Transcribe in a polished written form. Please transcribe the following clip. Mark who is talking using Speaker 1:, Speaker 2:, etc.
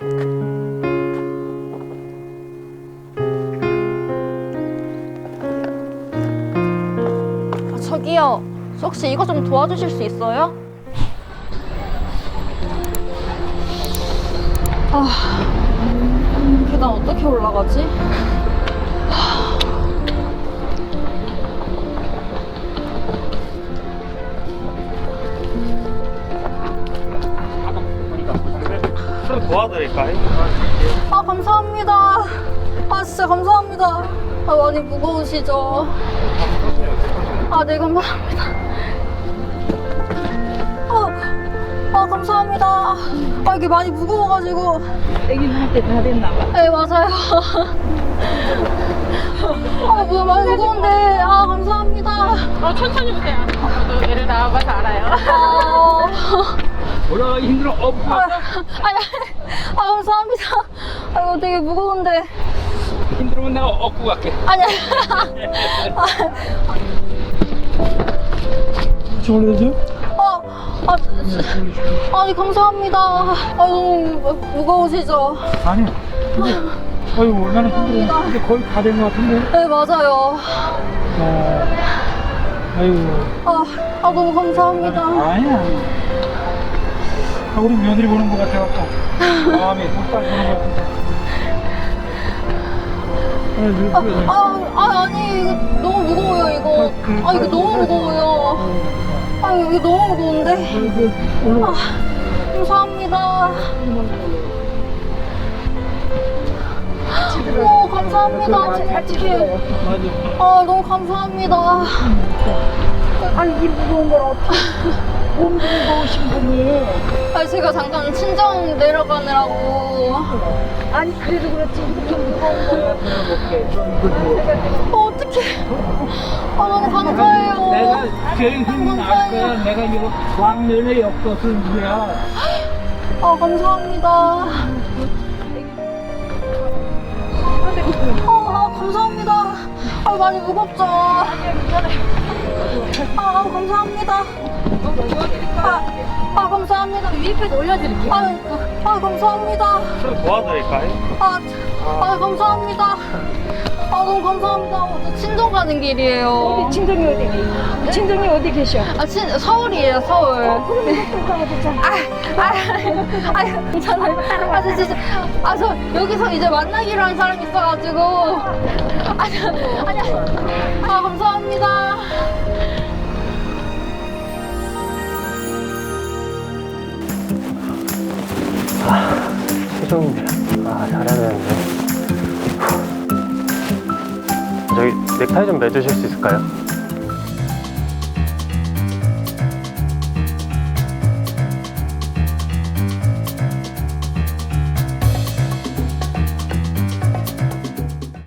Speaker 1: 저기요, 혹시 이거 좀 도와주실 수 있어요? 계단 어떻게 올라가지?
Speaker 2: 좀 도와드릴까요?
Speaker 1: 감사합니다. 진짜 감사합니다. 많이 무거우시죠? 네, 감사합니다. 감사합니다. 이게 많이 무거워가지고.
Speaker 3: 애기한테 다 됐나 봐.
Speaker 1: 네, 맞아요. 많이 무거운데. 감사합니다.
Speaker 3: 천천히 오세요. 저도 애를 낳아봐서 알아요.
Speaker 2: 올라가기 힘들어.
Speaker 1: 감사합니다. 이거 되게 무거운데.
Speaker 2: 힘들면 내가 업고 갈게.
Speaker 1: 아니.
Speaker 2: 같이 올려주세요.
Speaker 1: 아니, 감사합니다. 너무 무거우시죠?
Speaker 2: 아니. 근데, 아이고, 나는 힘들어. 근데 거의 다 된 것 같은데.
Speaker 1: 네, 맞아요.
Speaker 2: 아이고.
Speaker 1: 너무 감사합니다.
Speaker 2: 아니야. 우리 며느리 보는 것 같아갖고. 마음이 뚝딱 보는 것 같은데.
Speaker 1: 아니, 이거 너무 무거워요, 이거. 이거 너무 무거워요. 이거 너무 무거운데. 감사합니다. 감사합니다. 어떡해. 너무 감사합니다.
Speaker 3: 이 무거운 걸 어떻게 몸 무거우신 분이.
Speaker 1: 제가 잠깐 친정 내려가느라고.
Speaker 3: 아니 그래도 그렇지 이렇게 무거운 걸.
Speaker 1: 어떡해. 너무 감사해요.
Speaker 2: 내가 제일 힘이 날 거야. 내가 이거 왕년의 역도승부야.
Speaker 1: 감사합니다. 감사합니다. 많이 무겁죠? 감사합니다. 감사합니다.
Speaker 3: 위에까지 올려드릴게요.
Speaker 1: 감사합니다.
Speaker 2: 좀 도와드릴까요?
Speaker 1: 감사합니다. 너무 감사합니다. 친정 가는 길이에요.
Speaker 3: 친정이 어디? 친정이 어디 계셔?
Speaker 1: 서울이에요, 서울.
Speaker 3: 그럼 이것도 가야 되잖아.
Speaker 1: 괜찮아요. 진짜. 저 여기서 이제 만나기로 한 사람이 있어가지고. 감사합니다.
Speaker 4: 최종인데. 잘해야 되는데. 저기 넥타이 좀 매주실 수 있을까요?